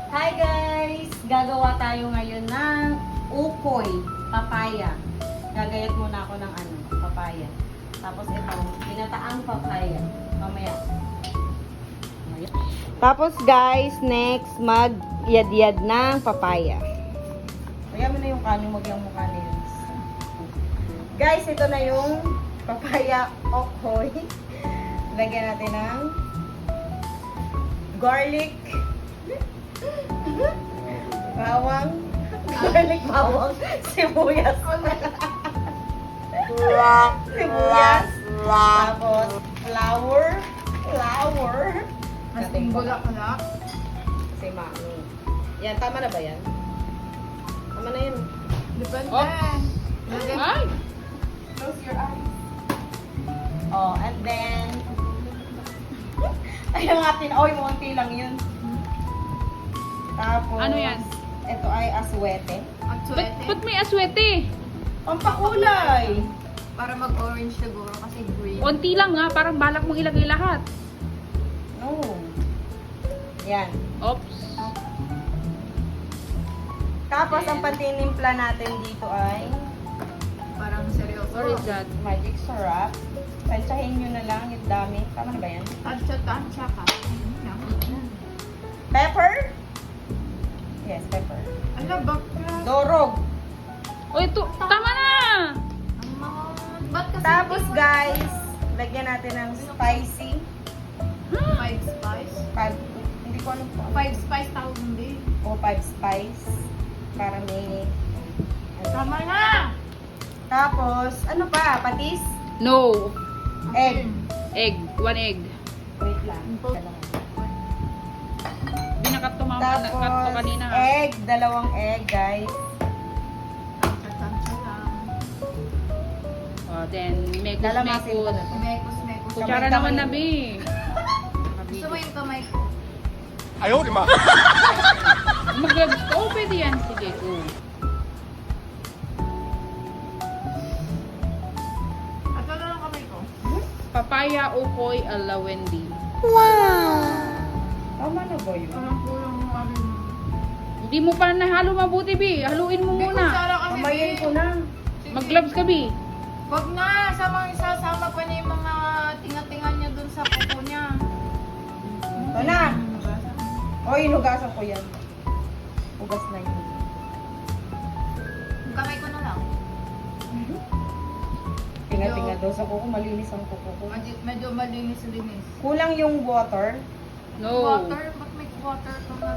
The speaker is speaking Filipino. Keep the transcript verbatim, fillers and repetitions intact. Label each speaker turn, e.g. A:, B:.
A: Hi guys! Gagawa tayo ngayon ng ukoy, papaya. Gagayat muna ako ng ano, papaya. Tapos ito, pinataang papaya. Mamaya. Mamaya. Tapos guys, next, mag-yad-yad ng papaya. Kaya mo na yung kanin, wag yung mukha na yun. Guys, ito na yung papaya ukoy. Lagyan natin ng garlic, bawang, garlic, bawang, sibuyas. Sibuyas. Tapos, flour, flour.
B: Mas bula ka na.
A: Si Mami. Yan, tama na ba yan? Tama na yun.
B: Depende.
C: Oh.
B: Lagyan-
C: Ay!
B: Close your eyes.
A: Oh, and then, ayun natin, oy, munti lang yun. Tapos,
C: Ano yan?
A: Ito ay aswete.
B: At
C: Ba't,
B: suwete.
C: ba't may aswete?
A: Pampakulay.
B: Para mag-orange siguro kasi green.
C: Konti lang ha, parang balak mong ilagay lahat.
A: No. Yan.
C: Oops.
A: Tapos, ang patinimpla natin dito ay
B: Parang seryoso.
C: What is that?
A: magic syrup. Tansyahin nyo na lang yung dami. Tama na ba yan?
B: Tansya-tansya ka.
A: Pepper? Yes, pepper.
B: Ala, bakla.
A: Dorog.
C: O ito, tama na!
B: Ang mga... Ba't kasi
A: Tapos,
B: hindi mo-
A: guys, lagyan natin ng spicy.
B: Five spice.
A: Five, hindi ko alam po.
B: Five spice tawag hindi.
A: O five spice. Para may...
B: Tama na!
A: Tapos, ano pa? Patis?
C: No.
A: Egg.
C: Egg. One egg.
A: Wait lang.
C: Binakat to mama. Nakat to
A: Tapos,
C: kanina ha.
A: egg. Dalawang egg, guys.
B: Tansya-tansya lang.
C: Oh, then, mekos
A: Lalamasin ko
C: mekos.
A: na to.
B: Mekos, mekos.
C: Kutsara
A: Kamay-kamay.
C: naman na, Bi.
B: Gusto mo yung kamay ko?
D: Ayaw, di ba?
C: Mag-gloves ka. Oh, pwede yan. Sige, go.
B: At wala lang kamay ko.
C: Papaya, ukoy, alawendi.
A: Tama na ba yun?
B: Parang kulang mo ano yun.
C: Hindi mo pa nahalo mabuti, Bi. Haluin mo
B: May
C: muna.
B: kutsara kasi.
A: Kamayin
B: Bi.
A: ko na.
B: Sige.
C: Mag-gloves ka, Bi.
B: Wag na, sama isasama pa niya yung mga tinga-tinga niya dun sa kuko niya.
A: Ito na. O, hinugasan ko yan. Hugas na yun.
B: Yung kamay ko na lang.
A: Tinga-tinga daw sa kuko. Malinis ang kuko ko.
B: Medyo, medyo malinis-linis.
A: Kulang yung water.
C: No.
B: Water? Ba't may water to na